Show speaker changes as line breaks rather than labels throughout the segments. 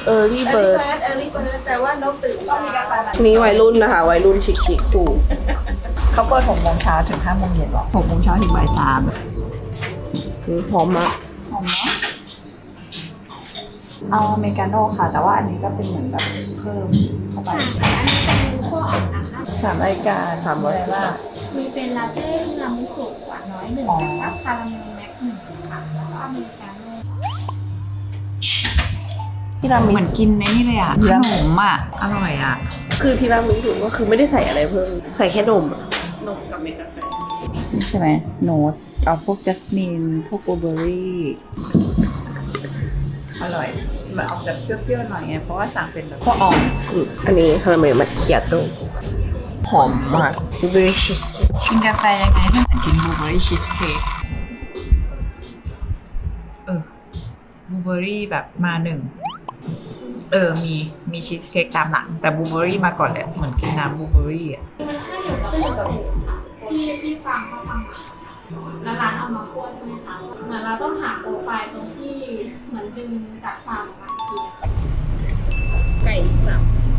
Early Bird
แปลว่านกตื่นต้องมีกาแฟ
นี่วัยรุ่นนะคะวัยรุ่นชิคๆถูก
เขาเปิด6 โมงเช้าถึง5 โมงเย็นหรอ6 โมงเช้าถึงบ่าย 3
หอมมาก
หอมเนาะเอาอเมริกาโน่ค่ะแต่ว่าอันนี้ก็เป็นเหมือนแบบเพิ่มเข้าไป3 รายการ300ว่า
มีเป็นลาเต้ทีรามิสุหวานน้อย1แล้วก็คาราเมลแม็ก1ค่ะแล้วก็อเมริกาโน่
ทีรามิ
เหมือน
สุ
กินในนี่เลยอ่ะขนมอ่ะอร่อยอ่ะ
คือทีรามิสุก็คือไม่ได้ใส่อะไรเพิ่มใส่แค่นมนมกับเมกาแฟ
ใช่ไหมโน้ตเอาพวกจัสมินพวกบลูเบอร์รี่อร่อยมันออกแบบเปรี้ยวๆหน่อยไงเพราะว่าสั่งเป็นแบบพวกอ่อน
อันนี้คาราเมลมัทเคียโต้หอมมาก delicious
กินกาแฟยังไงให้เหมือนกินบลูเบอร์รี่ชีสเค้กบลูเบอร์รี่แบบมา1มีชีสเค้กตามหลังแต่บลูเบอร์รี่มาก่อนเลยเหมือนกินน้ำบลูเบอร์รี่อ่ะ
ที่ฟังเขาทำแล้วร้านเอามาคั่วใช่ไหมคะเหมือนเราต้องหาโปรไฟล์ตรงที่เหมือนดึงจากฟาร์มมาคือ
ไก่สับ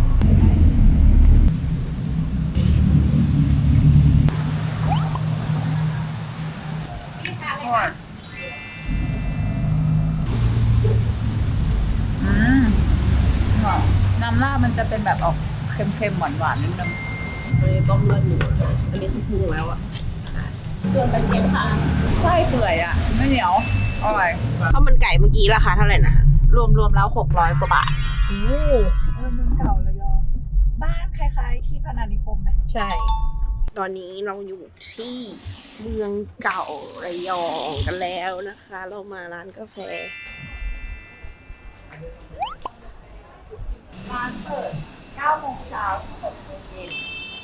น้ำราดมันจะเป็นแบบออกเค็มๆหวานๆนิดนึง
อันนี้ต้มเลือดหมูอันนี้คือปรุงแล้วอะ
ส่วนกระเทียมค่ะ
ไส้เปื่อยอ่ะไม่เหนียวอร่อย
ข้าวมันไก่เมื่อกี้ราคาเท่าไหร่นะ
รวมแล้ว600 กว่าบาทโอ้เมืองเก่าระยองบ้านคล้ายๆที่พนานิคมไหม
ใช่ ตอนนี้เราอยู่ที่เมืองเก่าระยองกันแล้วนะคะ เรามาร้านกาแฟ
ร้านเปิด9 โมงเช้าถึง6 โมงเย็น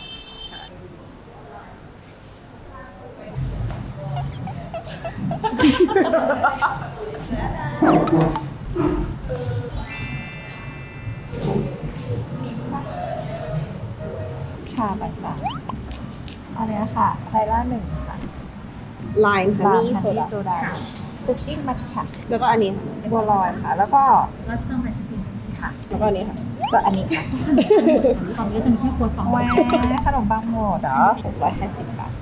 ชาบัตรอันนี้ค่ะไทล่า1ค่ะ
ไลน์ฮัน
ร้าน
นี่
ฮัน
โซ
นี่
ดา
โซดาคุกกิ้งมัทฉะ
แล้วก็อันนี้ค่ะ
บัวลอยค่ะ แล้วก็
รัสเตอร์ไมซ์ติน
ค่ะ
แล้วก็อันนี้ค่ะ
ก็อันนี้ค่ะ
ตอนนี้จะมีแค่ครัวซอง
แหวขนมปังหมดเหรอ650 บาท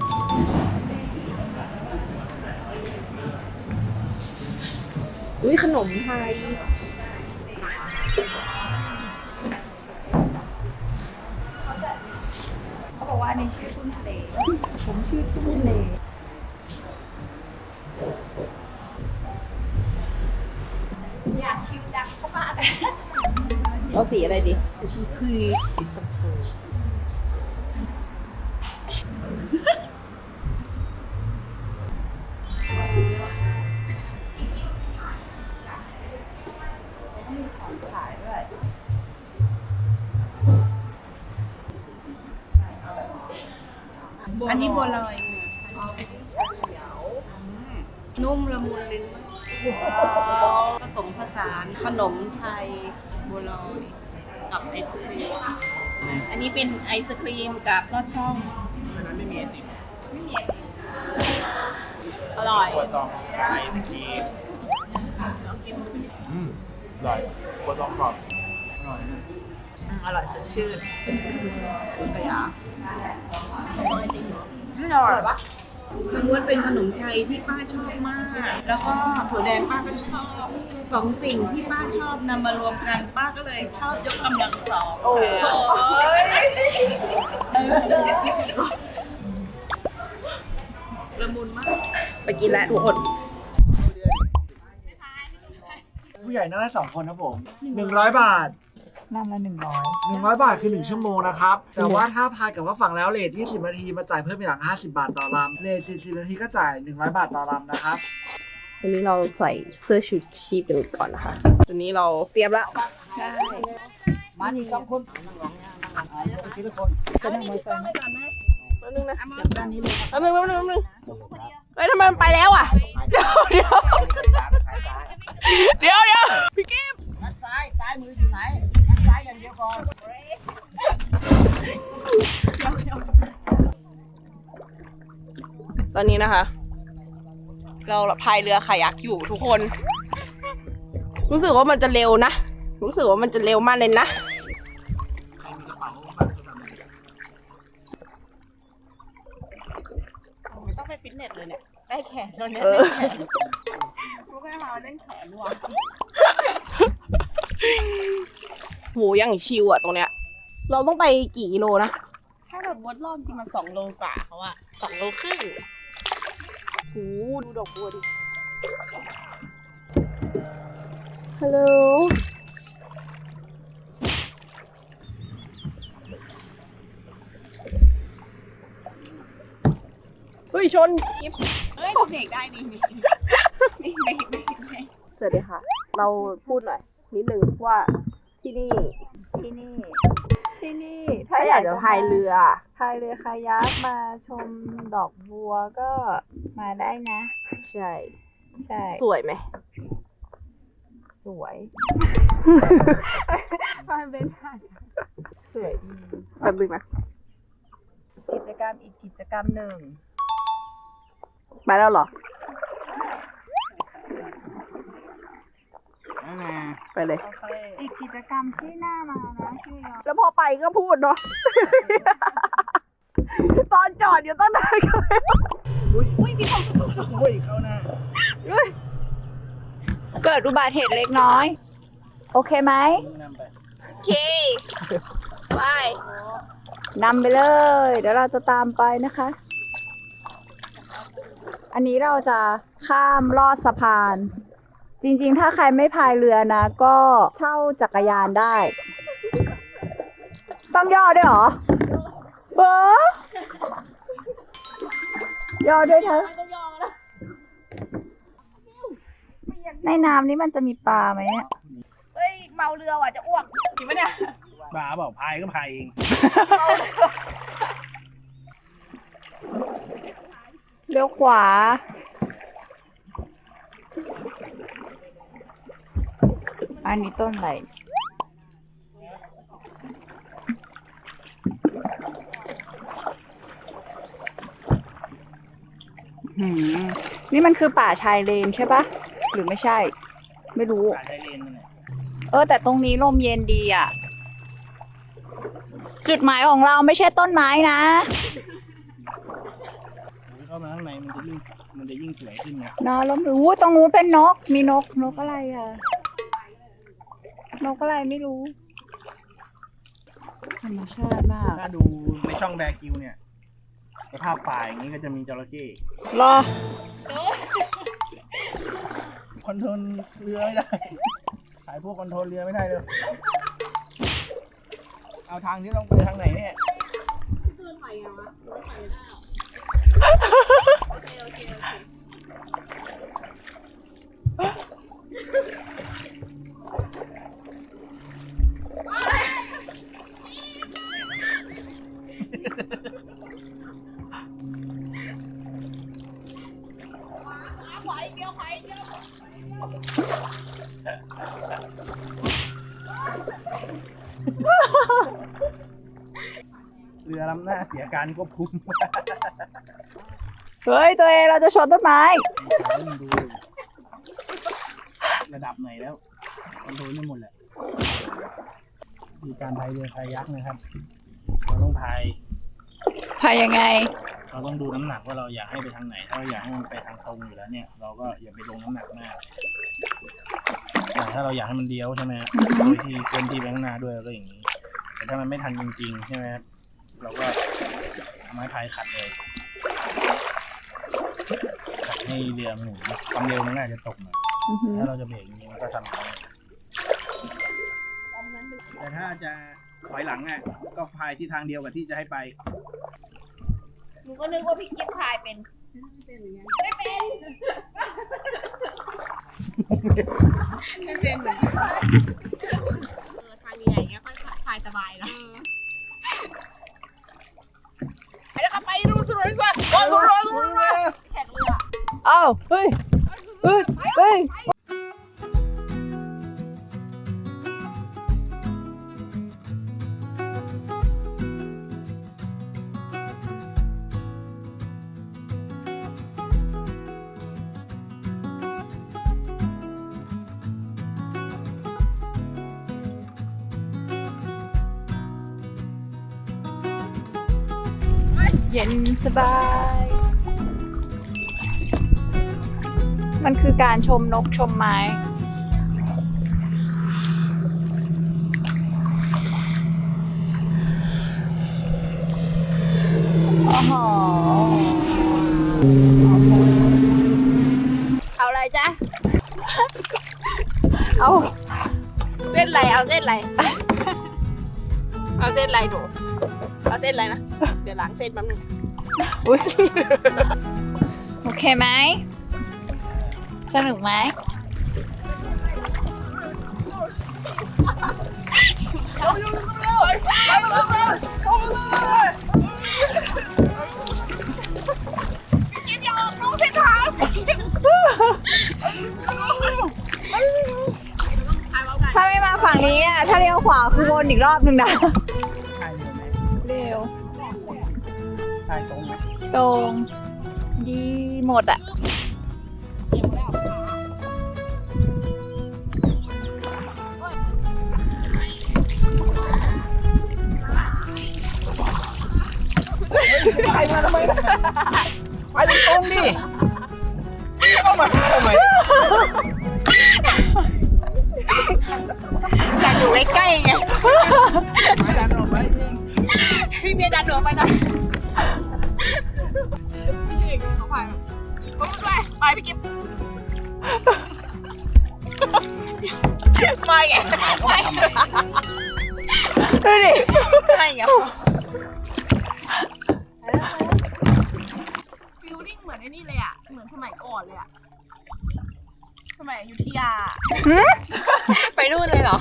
อุ้ยขนมไทย
เขาบอกว่าอันนี้ชื่อทุ่นทะเล ผมชื่อทุ่นทะเล อยากชิมจังเข้ามาแต่
เอาสีอะไรดี
สีพืชสีชมพูมีของขายด้วยอันนี้บัวลอย
นุ่มละมุนลิ้นผสมผสานขนมไทยบัวลอยกับไอศครีมอันนี้เป็นไอศครีมกับลอดช่อง
อันนั้นไม่มีไอติม
อร่อย
ขวดซองไก่ตะคีอร่อยขวดซองกรอบอร่อยนะ
อร่อยสดชื่นกระยา
ไม่อร่อยปะมันม้วนเป็นขนมไทยที่ป้าชอบมาก แล้วก็ถั่วแดงป้าก็ชอบสองสิ่งที่ป้าชอบนำมารวมกันป้าก็เลยชอบยกกำลังสองโอ้ยละมุนมากไปกินแล้วทุกคน
ผู้ใหญ่นั่งได้2 คนครับผม100 บาท
น้ำละ100
100 บาทคือ1 ชั่วโมงนะครับ แต่ว่าถ้าพายกับว่าฝั่งแล้วเลท20 นาทีมาจ่ายเพิ่มอีกหลัง50 บาทต่อลำเลท40 นาทีก็จ่าย100 บาทต่อลำนะครับ
วันนี้เราใส่เสื้อชูชีพกันก่อนนะคะตอนนี้เราเตรียมแล้ว
ใช่
มาอีก2 คนทีละคน
จะนั่งมอเตอร์ไซค์
แป๊บนึงนะ
ด้านนี้เลย
แป๊บนึงเฮ้ยทำไมมันไปแล้วอ่ะ เดี๋ยวพี่กิ๊ฟ
ซ้ายมืออยู่ไหนซ้ายอย่างเดียวก่อน
ตอนนี้นะคะ เราพายเรือคายักอยู่ทุกคน รู้สึกว่ามันจะเร็วนะ
รู้สึกว่ามันจะเร็วมากเลยนะ
ใครมีกระเป๋าบัตรโทรศัพท์ไหน
ไม่ต้องไปฟิตเนสเลยเนี่ย ได้แขนแล้วเนี่ย
เออ
พวกแม่มาเล่นแขนว่ะ
โหยังชิวอ่ะตรงเนี้ย เราต้องไปกี่กิโลนะ
ถ้าแบบวดรอบจริงมัน2 โลกว่าเขาอะ2 โลครึ่ง
โหดูดอกบัวดิ ฮัลโหล เฮ้ย ชน
เฮ้ยเบรกได้นี่นี่นี่เบรกได้ไหม
สวัสดีค่ะ เราพูดหน่อย นิดนึงว่าที่นี่
ที่นี่
ถ้าอยากจะพายเรือ
พายเรือคายักมาชมดอกบัวก็มาได้นะ
ใช่
ใช่
สวยไหม
สวยมันเป็นหาดสวยดี
แป๊บนึงนะ
กิจกรรมอีกกิจกรรมหนึ่ง
ไปแล้วเหรอ ไปเลย
อีกกิจกรรมที่น่ามานะชื่อยอ
แล้วพอไปก็พูดเนาะ ตอนจอดอยู่ตั้งนานก็ไม่
อุ้ยเข้าหน้า
เกิดอุบัติเหตุเล็กน้อย โอเคไหม
นำไป
โอเค ไป
นำไปเลย เดี๋ยวเราจะตามไปนะคะ อันนี้เราจะข้ามลอดสะพาน จริงๆ ถ้าใครไม่พายเรือนะ ก็เช่าจักรยานได้ ต้องย่อด้วยเหรอเบอย่อด้วยเถอะในน้ำนี้มันจะมีปลาไหมเนี่ย
เฮ้ย เมาเรือว่ะจะอ้วกจริงปะเนี่ย
บ้าเปล่าพายก็พายเอง
เลี้ยวขวา อันนี้ต้นอะไร นี่มันคือป่าชายเลนใช่ปะ หรือไม่ใช่ ไม่รู้
พายได้เลนนั่นแหละ
แต่ตรงนี้ลมเย็นดีอ่ะ จุดหมายของเราไม่ใช่ต้นไม้นะ
เข้ามาข้างในมันจะยิ่งสวยขึ้นนะ
นอนลมอู้ตรงนู้นเป็นนก มีนกอะไรอ่ะ นกอะไรไม่รู้ ธรรมชาติมาก
ถ้าดูในช่องแบกิวเนี่ยสภาพป่าอย่างนี้ก็จะมีจระเข้
รอ
คอนโทรลเรือไม่ได้ ขายพวกคอนโทรลเรือไม่ได้เลย เอาทางที่ต้องไปทางไหนเนี่ย เรือลำหน้าเสียการควบคุม
เฮ้ย ตัวเองเราจะชนต้นไม้
ดูระดับไหนแล้วคอนโทรลไม่หมดแหละมีการพายเรือคายักนะครับ เราต้องพาย
พายยังไง
เราต้องดูน้ำหนักว่าเราอยากให้ไปทางไหน ถ้าเราอยากให้มันไปทางตรงอยู่แล้วเนี่ย เราก็อย่าไปลงน้ำหนักมากแต่ถ้าเราอยากให้มันเลี้ยวใช่ไหมครับโดยที่เคลื่อนที่ไปข้างหน้าด้วยก็อย่างนี้ แต่ถ้ามันไม่ทันจริงๆใช่ไหมครับเราก็เอาไม้พายขัดเลยขัดให้เรือมันหมุนความเร็วมันน่าจะตกหน่อยถ้าเราจะเบรกจริงๆมันก็ทำได้แต่ถ้าจะถอยหลังอ่ะก็พายที่ทางเดียวกับที่จะให้ไป
หนูก็นึกว่าพี่กิ๊ฟพายเป็น ไม่เป็น
ไม่เป็นเหมือนกัน
ทางใหญ่ๆเงี้ยค่อยพายสบายนะไปแล้วครับไปดูสนุกดีกว่าแข่งเรือ
อ้าว เฮ้ย เฮ้ย เฮ้ยเย็นสบาย มันคือการชมนกชมไม้โอ้โห
เอาอะไรจ๊ะ
เอา
เส้นอะไรเอาเส้นอะไร เอาเส้นอะไรหนูเอาเส้นอะไรนะเดี๋ยวล้างเส้นแป๊บนึง
อุ๊ยโอเคไหมสนุกไหมถ้าไม่มาฝั่งนี้อ่ะ ถ้าเลี้ยวขวาคือวนอีกรอบนึงนะ
ใช่เลยไหม
เร็ว
ใช่ตรงไหม
ตรงดีหมดอ่ะ
ไปมาทำไมไปตรงๆดิเข้ามาทำไม
อยากอยู่ใกล้ๆไง
ไปดันออกไปจริง
พี่เมียดันหนูออกไปหน่อยพี่เอกเขาพายมาด้วยไปพี่กิ๊บไม่ไง
เข้ามาทำไม
ดูดิ
ไม่ไงฟิลลิ่งเหมือนไอ้นี่เลยอ่ะ เหมือนสมัยก่อนเลยอ่ะ สมัยอยุธยา
ไปนู่นเลยเหรอ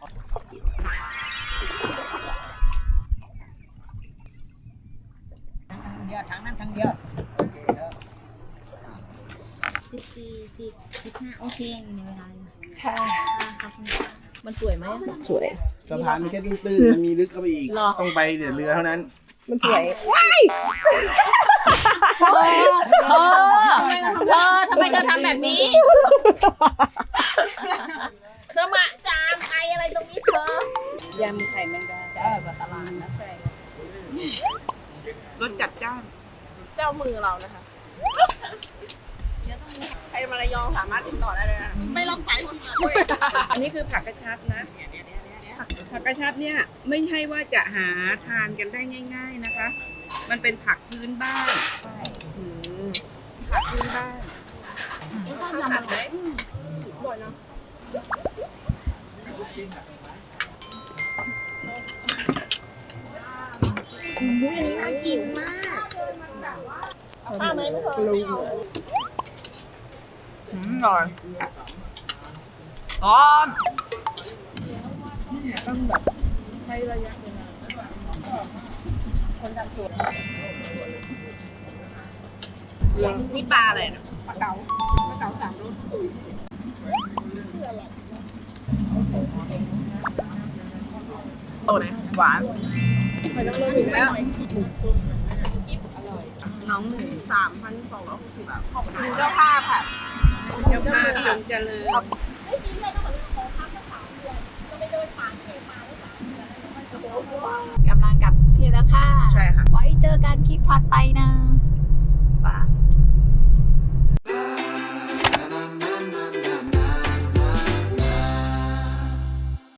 ทางนั้นทางเดียว
14 15โอเคอยู่ในเวลาอยู่
ค่ะ
ขอบคุณค่ะมันสวยไหม
สวย
สะพานมันแค่ตื้นๆมันมีลึกเข้าไปอีก ต้องไปเดี๋ยวเรือเท่านั้น
มันสวย
ทำไมเธอทำแบบนี้
เธอมาจามไออะไรตรงนี้เธอย
ำไข่แมงดา
ได้แบบตลาดนะใช่
รสจัดจ้าน
เจ้ามือเรานะคะใครมาระยองสามารถติดต่อได้เลยนะไม่รับสายคนอื่น
อันนี้คือผักกระชับนะ ผักกระชับเนี่ยไม่ใช่ว่าจะหาทานกันได้ง่าย ๆนะคะ มันเป็นผักพื้นบ้านอืมผักพื้นบ้าน
ต้องยำอะไรบ่อยนะ
อุ้ยอันนี้น่ากินมาก
ป้าไหมไม่เคย
อร่อยอ๋อ
ต้องแบบใช้ระยะเวลาคนทำสวนนี่ปลาอะไรนะปลาเก๋าสามรส
โตเลยหวาน
ไม่ต้องเลิกอีกแล้ว
น้อง
3,260 บาทขอบคุณเจ้าภาพค่ะ
เจ้าภาพจงเจริญ
กำลังกลับกรุงเทพแล้วค่ะ
ใช่ค่ะ
ไว้เจอกันคลิปถัดไปนะ